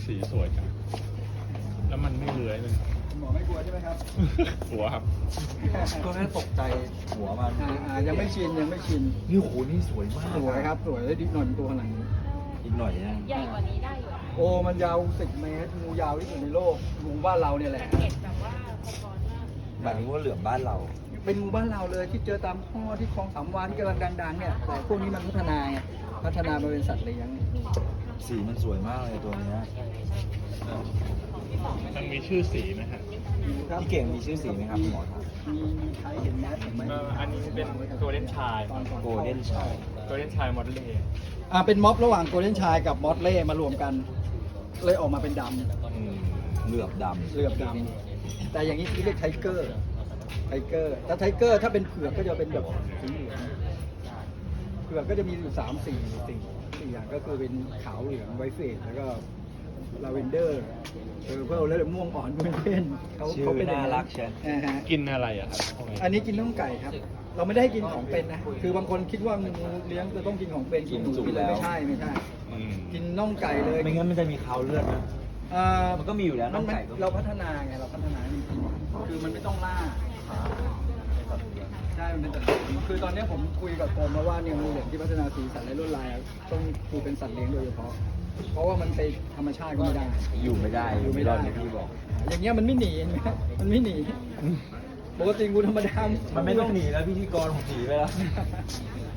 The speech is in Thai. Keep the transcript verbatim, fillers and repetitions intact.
สีสวยจังแล้วมันไม่เลื้อยเลยหมอไม่กลัวใช่ไหมครับกลัวครับตัวนั้นตกใจหัวมันอ่าอ่ายังไม่ชินยังไม่ชินนี่โหนี่สวยมากสวยครับสวยแล้วดิหน่อยตัวขนาดนี้อีกหน่อยนะใหญ่กว่านี้ได้อยู่อะโอ้มันยาวสิบเมตรงูยาวที่สุดในโลกงูบ้านเราเนี่ยแหละเห็นแบบว่าสะท้อนมากหมายถึงว่าเหลือมบ้านเราเป็นงูบ้านเราเลยที่เจอตามท่อที่คลองสามวาที่กำลังดังๆเนี่ยแต่พวกนี้มันพัฒนาไงพัฒนามาเป็นสัตว์เลี้ยงสีมันสวยมากเลยตัวเนี้ยมันมีชื่อสีไหมฮะครับพี่เก่งมีชื่อสีไหมครับคุณหมอครับมีมีใครเห็นแมสไหมเอ่ออันนี้เป็นโกลเด้นชายตอนก่อนโกลเด้นชายโกลเด้นชายมอดเล่อ่าเป็นม็อบระหว่างโกลเด้นชายกับมอสเล่มารวมกัน เลยออกมาเป็นดอืมเหลือบดำเหลือบดำแต่อย่างนี้เรียกไทเกอร์ไทเกอร์ถ้าไทเกอร์ถ้าเป็นเผือกก็จะเป็นแบบสีเหลืองเผือกก็จะมีอยู่สามสี่สี่สี่อย่างก็คือเป็นขาวเหลืองไวท์เฟสแล้วก็ลาเวนเดอร์เออเพิ่มแล้วม่วงอ่อนเป็นเพื่อนเขาำชื่อเขาเป็นน่ารักใช่อ่าฮะกินอะไรอะครับพวกนี้อันนี้กินน่องไก่ครับ เราไม่ได้ให้กินของเป็นนะ คือบางคนคิดว่างูเลี้ยงจะต้องกินของเป็นกินหนูกินอะไรไม่ใช่ไม่ใช่อืมกินน่องไก่เลยไม่งั้นมันจะมีคาวเลือดนะอ่ามันก็มีอยู่แล้วน่องไก่ก็เราพัฒนาไงเราพัฒนาจริงๆคือมันไม่ต้องล่าใช่มันเป็นสัตว์เลี้ยงคือตอนนี้ผมคุยกับกรมมาว่าเนี่ยงูเหลือมที่พัฒนาสีสันและลวดลายอะต้องคือเป็นสัตว์เลี้ยงโดยเฉพาะ เพราะว่ามันไปธรรมชาติก็ไม่ได้อยู่ไม่ได้อยู่ไม่ได้อย่างที่บอกอย่างเงี้ยมันไม่หนีเห็นไหมมันไม่หนี ปกติงูธรรมดามันไม่ต้องหนีแล้วพิธีกรผมหนีไปแล้ว